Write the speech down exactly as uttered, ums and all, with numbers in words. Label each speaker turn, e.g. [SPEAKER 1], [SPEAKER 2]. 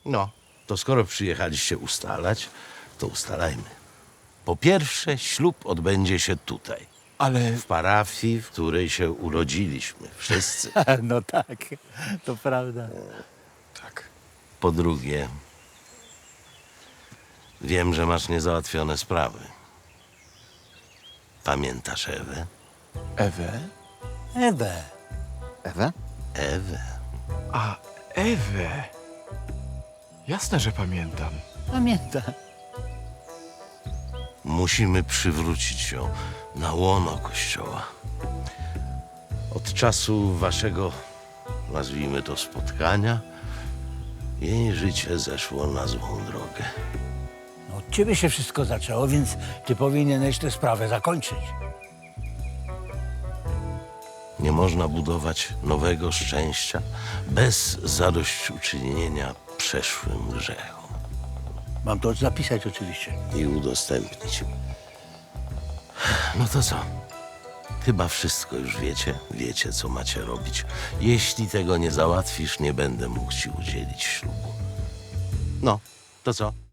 [SPEAKER 1] No, to skoro przyjechaliście ustalać, to ustalajmy. Po pierwsze, ślub odbędzie się tutaj,
[SPEAKER 2] Ale...
[SPEAKER 1] w parafii, w której się urodziliśmy, wszyscy.
[SPEAKER 3] No tak, to prawda.
[SPEAKER 2] Tak.
[SPEAKER 1] Po drugie, wiem, że masz niezałatwione sprawy. Pamiętasz Ewę?
[SPEAKER 2] Ewę?
[SPEAKER 3] Ewę.
[SPEAKER 4] Ewę?
[SPEAKER 1] Ewę.
[SPEAKER 2] A, Ewę. Jasne, że pamiętam.
[SPEAKER 3] Pamiętam.
[SPEAKER 1] Musimy przywrócić ją na łono Kościoła. Od czasu waszego, nazwijmy to, spotkania, jej życie zeszło na złą drogę.
[SPEAKER 3] No, od ciebie się wszystko zaczęło, więc ty powinieneś tę sprawę zakończyć.
[SPEAKER 1] Nie można budować nowego szczęścia bez zadośćuczynienia przeszłym grzechom
[SPEAKER 3] Mam to zapisać oczywiście.
[SPEAKER 1] i udostępnić. No to co? Chyba wszystko już wiecie. Wiecie, co macie robić. Jeśli tego nie załatwisz, nie będę mógł ci udzielić ślubu. No, to co?